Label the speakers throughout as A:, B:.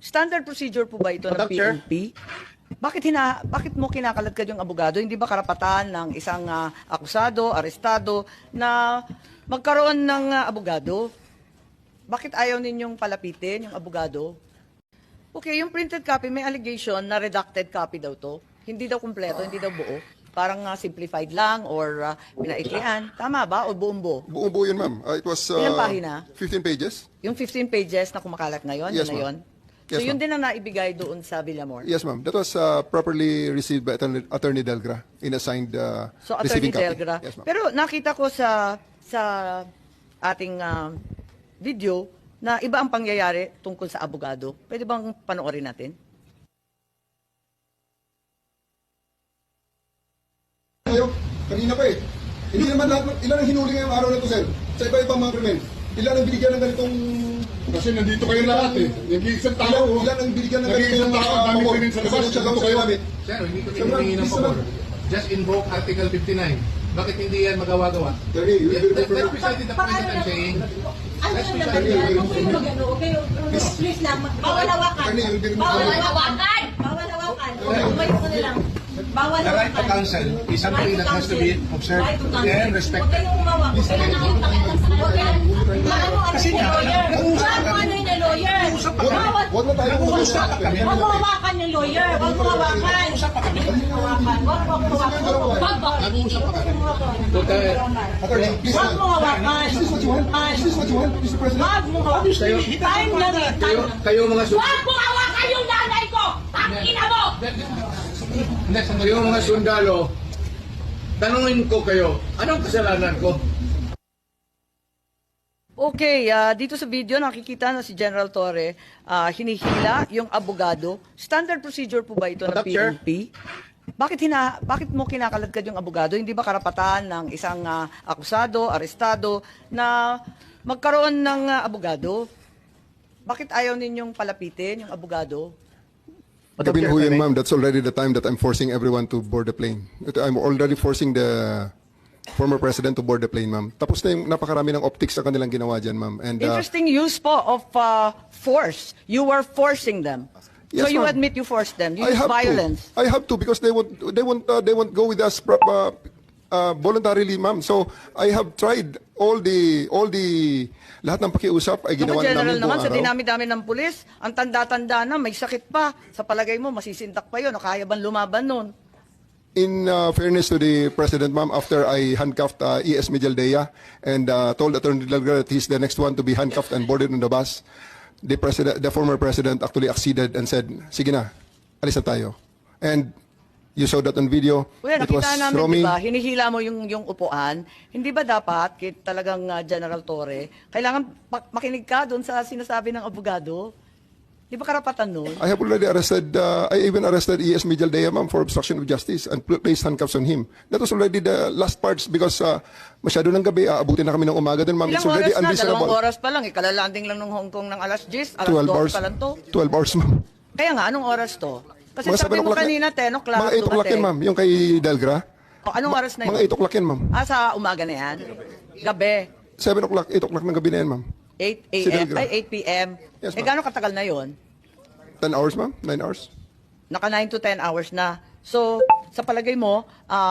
A: Standard procedure po ba ito ng
B: Madam Chair?
A: PNP? Bakit mo kinakaladkad yung abogado? Hindi ba karapatan ng isang akusado, arestado na magkaroon ng abogado? Bakit ayaw ninyong palapitin yung abogado? Okay, yung printed copy, may allegation na redacted copy daw to. Hindi daw kumpleto, hindi daw buo. Parang simplified lang or pinaiklian. Tama ba? O buong buo?
C: Buong-buo yun, ma'am. It was
A: Ilang pahina?
C: 15 pages.
A: Yung 15 pages na kumakalat ngayon,
C: Yes,
A: yun na yun?
C: ma'am.
A: So
C: Yes,
A: yun
C: ma'am.
A: din ang naibigay doon sa Villamor?
C: Yes, ma'am. That was properly received by Attorney Delgra in assigned
A: So, Attorney
C: receiving copy.
A: Delgra.
C: Yes, ma'am.
A: Pero nakita ko sa ating video na iba ang pangyayari tungkol sa abogado. Pwede bang panoorin natin?
D: Kayo, kanina pa eh. Hindi naman lahat, ilan ang hinuli ngayong araw na to, sir? Sa iba-ibang mga krimen. Ilan ang binigyan ng ganitong...
E: Kasi nandito kayo lahat eh. Nag-iisang tao.
D: Ilan ang binigyan ng
E: Nag-iisang
D: ganitong...
E: tao, dami ko rin sa labas.
D: Siya
E: Nandito kayo.
F: Sir, hindi ko
D: Sir,
F: hinihingi ng
D: please,
F: pabor.
D: sir.
F: Just invoke Article 59. Bakit hindi yan magawa-gawa?
D: Attorney, you will be
F: That's
D: referred...
F: precisely the point that I'm saying.
G: Ano yung naman yan? Huwag kayong mag-ano, okay? Please lang, bawal hawakan.
D: Attorney, you will be
G: Bawal
D: referred...
G: hawakan! Bawal hawakan. Umayo ko na lang. Bawal
F: The right to
G: hawakan.
F: counsel is something that has to be observed
G: Right to counsel.
F: and
G: Huwag
F: respected.
G: kayong umawak. Huwag kayong nakipakialam sa huwag kayong...
F: Kasi nga,
G: Ano yung lawyer? Bawal.
D: Huwag na tayo
G: Huwag mo hawakan yung lawyer. Huwag mo hawakan. Huwag mo hawakan.
F: nag-uusap pa kami.
D: Attorney, please.
G: Huwag mo hawakan.
D: Is this what you want? Is this what you want, Mr. President?
G: Huwag mo hawakan. Time na rin.
F: Kayo mga
G: Huwag mo hawakan yung nanay ko! Tangina mo!
F: Kayo mga sundalo, tanungin ko kayo, anong kasalanan ko?
A: Okay, dito sa video nakikita na si General Torre hinihila yung abogado. Standard procedure po ba ito ng
B: Madam Chair?
A: PNP? Bakit mo kinakaladkad yung abogado? Hindi ba karapatan ng isang akusado, arestado na magkaroon ng abogado? Bakit ayaw ninyong palapitin yung abogado?
C: Gabi ho yun, ma'am. That's already the time that I'm forcing everyone to board the plane. I'm already forcing the former president to board the plane, ma'am. Tapos na yung napakarami ng optics sa kanilang ginawa dyan, ma'am. And
A: Interesting use po of force. You were forcing them. So
C: Yes,
A: you
C: ma'am.
A: admit you forced them. You
C: I
A: use
C: have
A: violence.
C: to. I have to because they won't go with us voluntarily, ma'am. So I have tried all the lahat ng pakiusap ay
A: Naku,
C: ginawa
A: General
C: namin
A: naman,
C: buong
A: sa
C: araw.
A: dinami-dami ng pulis, ang tanda-tanda na, may sakit pa. Sa palagay mo, masisindak pa yun. O kaya bang lumaban nun?
C: In fairness to the president, ma'am, after I handcuffed E.S. Mijaldea and told Attorney Delgado that he's the next one to be handcuffed and boarded on the bus, the former president actually acceded and said, "Sige na, alis na tayo." And you saw that on video.
A: Well,
C: It was
A: nakita namin,
C: Romy.
A: di ba, hinihila mo yung upuan. Hindi ba dapat, talagang General Torre, kailangan makinig ka doon sa sinasabi ng abogado? Di ba karapatan nun?
C: I have already arrested, I even arrested E.S. Mijaldea, ma'am, for obstruction of justice and placed handcuffs on him. That was already the last parts because masyado ng gabi, aabutin na kami ng umaga din, ma'am. It's
A: Ilang
C: already
A: oras na?
C: unreasonable.
A: 2 oras pa lang. Ikalalanding lang ng Hong Kong ng alas 10. Alas
C: 12
A: 12
C: hours.
A: pa lang to.
C: 12 hours, ma'am.
A: Kaya nga, anong oras to? Kasi
C: Mga
A: sabi
C: 7
A: mo
C: o'clock
A: kanina, 10 o'clock.
C: Mga 8 o'clock yan, ma'am. Yung kay Delgra.
A: O, anong oras na yun?
C: Mga 8 o'clock yan, ma'am.
A: Sa umaga na yan? Gabi?
C: 7 o'clock, 8 o'clock ng gabi na yan, ma'am.
A: 8
C: Si
A: a.m.
C: Delgra.
A: Ay, 8 p.m.
C: Yes, ma'am.
A: Gano'ng katagal na yon?
C: 10 hours, ma'am? 9 hours?
A: Naka 9 to 10 hours na. So, sa palagay mo,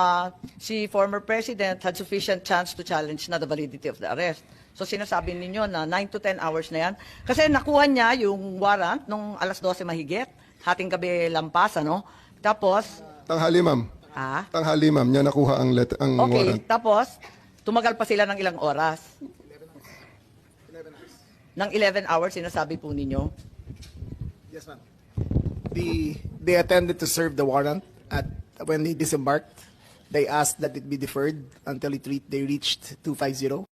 A: si former president had sufficient chance to challenge na the validity of the arrest. So, sinasabi ninyo na 9 to 10 hours na yan. Kasi nakuha niya yung warrant nung alas 12 mahigit. Hating gabi lampas, ano? Tapos,
C: Tanghali, ma'am. Tanghali, ma'am. Niya nakuha ang
A: okay,
C: warrant.
A: tapos, tumagal pa sila ng ilang oras. Ng 11 hours, sinasabi po ninyo.
B: Yes, ma'am. They attended to serve the warrant at when they disembarked. They asked that it be deferred until they reached 250.